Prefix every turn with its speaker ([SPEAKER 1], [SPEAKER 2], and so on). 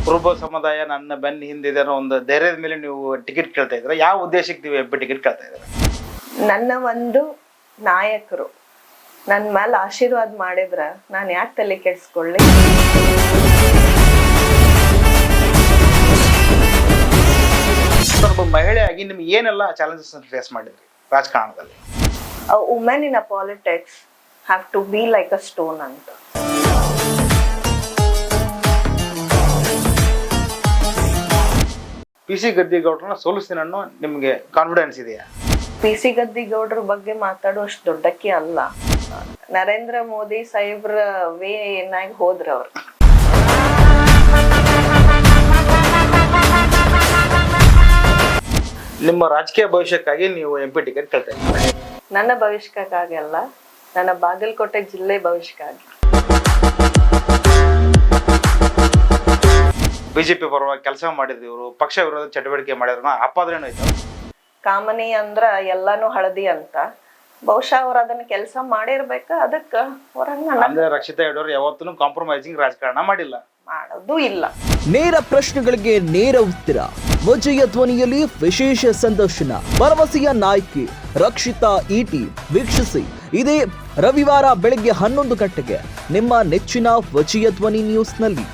[SPEAKER 1] ಕುರುಬ ಸಮುದಾಯ ನನ್ನ ಬೆನ್ನ ಹಿಂದಿದೆ ಅನ್ನೋ ಒಂದು ಧೈರ್ಯದ ಮೇಲೆ ನೀವು ಟಿಕೆಟ್ ಕೇಳ್ತಾ ಇದ್ದೀರಾ? ಯಾವ ಉದ್ದೇಶಕ್ಕೆ ನೀವು MP ಟಿಕೆಟ್ ಕೇಳ್ತಾ ಇದ್ದೀರಾ?
[SPEAKER 2] ನನ್ನ ಒಂದು ನಾಯಕರು ನನ್ನ ಮೇಲೆ ಆಶೀರ್ವಾದ ಮಾಡಿದ್ರ ನಾನು ಯಾಕೆ ತಲೆ ಕೆಡಿಸ್ಕೊಳ್ಳಿ?
[SPEAKER 1] ಒಬ್ಬ ಮಹಿಳೆಯಾಗಿ ನಿಮ್ಗೆ ಏನೆಲ್ಲ ಚಾಲೆಂಜಸ್ ಫೇಸ್ ಮಾಡಿದ್ರಿ ರಾಜಕಾರಣದಲ್ಲಿ?
[SPEAKER 2] A woman in a politics have to be like a stone ಅಂತ.
[SPEAKER 1] PC ಗದ್ದಿಗೌಡ್ರನ್ನ ಸೋಲಿಸ್ತೀನಿ ಅನ್ನೋ ನಿಮ್ಗೆ ಕಾನ್ಫಿಡೆನ್ಸ್ ಇದೆಯಾ?
[SPEAKER 2] PC ಗದ್ದಿಗೌಡ್ರ ಬಗ್ಗೆ ಮಾತಾಡುವಷ್ಟು ದೊಡ್ಡಕ್ಕೆ ಅಲ್ಲ. ನರೇಂದ್ರ ಮೋದಿ ಸಾಹೇಬ್ರ ವೇ ಏನಾಗಿ ಹೋದ್ರ ಅವ್ರು.
[SPEAKER 1] ನಿಮ್ಮ ರಾಜಕೀಯ ಭವಿಷ್ಯಕ್ಕಾಗಿ ನೀವು MP ಟಿಕೆಟ್ ಕೇಳ್ತಾ ಇದ್ದೀರಾ?
[SPEAKER 2] ನನ್ನ ಭವಿಷ್ಯಕ್ಕಾಗಲ್ಲ, ನನ್ನ ಬಾಗಲಕೋಟೆ ಜಿಲ್ಲೆ ಭವಿಷ್ಯಕ್ಕಾಗಿ.
[SPEAKER 1] ಬಿಜೆಪಿ ಪರವಾಗಿ ಕೆಲಸ ಮಾಡಿದ್ರು ಇವರು, ಪಕ್ಷ ವಿರೋಧ ಚಟುವಟಿಕೆ ಮಾಡಿದ್ರು, ಆಪಾದನೆ ಆಯ್ತು.
[SPEAKER 2] ಕಾಮನಿ ಅಂದ್ರ ಎಲ್ಲಾನು ಹಳದಿ ಅಂತ, ಬಹುಶಃ ಅವ್ರ ಅದನ್ನ ಕೆಲಸ ಮಾಡಿರ್ಬೇಕ. ಅದಕ್ಕ
[SPEAKER 1] ಅಂದ್ರೆ ರಕ್ಷಿತಾ ಯಡೂರ್ ಯಾವತ್ತೂ ಕಾಂಪ್ರಮೈಸಿಂಗ್ ರಾಜಕಾರಣ ಮಾಡಿಲ್ಲ,
[SPEAKER 2] ಮಾಡೋದು ಇಲ್ಲ.
[SPEAKER 3] ನೇರ ಪ್ರಶ್ನೆಗಳಿಗೆ ನೇರ ಉತ್ತರ, ವಿಜಯ ಧ್ವನಿಯಲ್ಲಿ ವಿಶೇಷ ಸಂದರ್ಶನ, ಭರವಸೆಯ ನಾಯಕಿ ರಕ್ಷಿತಾ ಈಟಿ. ವೀಕ್ಷಿಸಿ ಇದೇ ರವಿವಾರ ಬೆಳಗ್ಗೆ 11 ಗಂಟೆಗೆ ನಿಮ್ಮ ನೆಚ್ಚಿನ ವಿಜಯ ಧ್ವನಿ ನ್ಯೂಸ್ನಲ್ಲಿ.